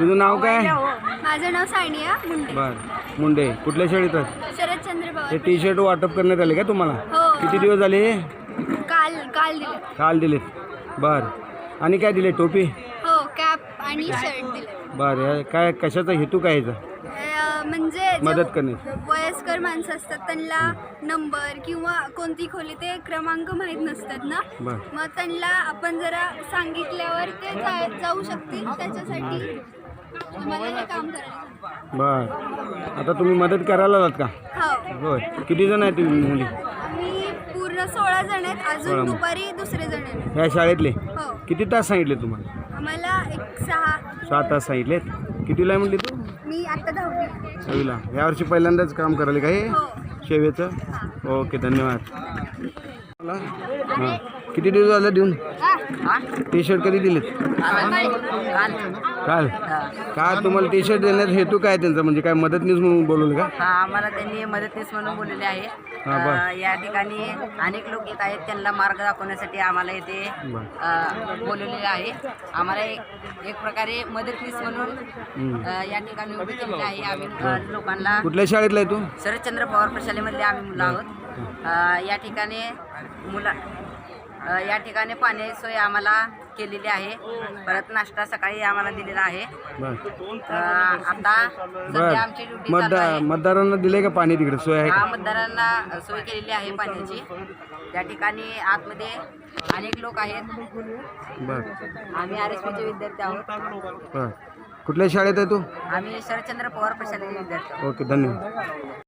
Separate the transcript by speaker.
Speaker 1: तुझं नाव काय?
Speaker 2: माझं नाव सानिया मुंडे.
Speaker 1: बर मुंडे. कुठल्या शाळेत आहे?
Speaker 2: शरदचंद्र
Speaker 1: हे
Speaker 2: पवार.
Speaker 1: टी शर्ट वाटप करण्यात आले का तुम्हाला?
Speaker 2: हो.
Speaker 1: किती दिवस झाले?
Speaker 2: काल काल दिले.
Speaker 1: काल दिलेत. बर आणि काय दिले? टोपी?
Speaker 2: हो, कॅप आणि शर्ट दिले.
Speaker 1: बर काय कशाचा हेतू काय याचा?
Speaker 2: म्हणजे जे
Speaker 1: मदत करणे.
Speaker 2: वयस्कर माणसं असतात त्यांना नंबर किंवा कोणती खोली ते क्रमांक माहीत नसतात ना,
Speaker 1: बर
Speaker 2: मग त्यांना आपण जरा सांगितल्यावर ते जाऊ शकतील. त्याच्यासाठी तुम्हाला हे काम करायचं.
Speaker 1: बर आता तुम्ही मदत करायला आलात का?
Speaker 2: हो,
Speaker 1: होय. किती जण आहेत तुम्ही मुली?
Speaker 2: आम्ही पूर्ण 16 जण आहेत. अजून दुपारी दुसरे जण आहेत.
Speaker 1: ह्या शाळेतले?
Speaker 2: हो,
Speaker 1: किती तास सांगितले तुम्हाला?
Speaker 2: आम्हाला एक 6
Speaker 1: तास सांगितलेत. कितीला म्हणली तू?
Speaker 2: मी आता 10वी.
Speaker 1: 6वीला. यावर्षी पहिल्यांदाच काम करायला का हे
Speaker 2: हो.
Speaker 1: सेवेचं? ओके धन्यवाद. हां किती दिवस झालं देऊन? टी शर्ट कधी दिलेत? काल. काय तुम्हाला टी शर्ट देण्यात हेतू काय त्यांचा? म्हणजे काय मदतनीस म्हणून बोलवलं का?
Speaker 3: हा, आम्हाला त्यांनी मदतनीस म्हणून बोललेले आहे. या ठिकाणी अनेक लोक येत आहेत, त्यांना मार्ग दाखवण्यासाठी आम्हाला इथे बोलवलेले आहे. आम्हाला एक प्रकारे मदतनीस म्हणून या ठिकाणी उभी केलेली आहे. आम्ही लोकांना.
Speaker 1: कुठल्या शाळेतला आहे तू?
Speaker 3: शरदचंद्र पवार प्रशालेमधले आम्ही मुलं आहोत. या ठिकाणी या ठिकाणी पाण्याची सोय आम्हाला केलेली आहे. परत नाश्ता सकाळी आम्हाला दिलेला आहे. आता सध्या आमची ड्युटी चालू आहे.
Speaker 1: मतदारांना दिले का पाणी तिकडे सोय आहे?
Speaker 3: हा, मतदारांना सोय केलेली आहे पाण्याची. त्या ठिकाणी आतमध्ये अनेक लोक आहेत.
Speaker 1: बर
Speaker 3: आम्ही RSPचे विद्यार्थी आहोत.
Speaker 1: बर कुठल्या शाळेत आहे तू?
Speaker 3: आम्ही शरदचंद्र पवार प्रशालेचे विद्यार्थी आहोत.
Speaker 1: ओके धन्यवाद.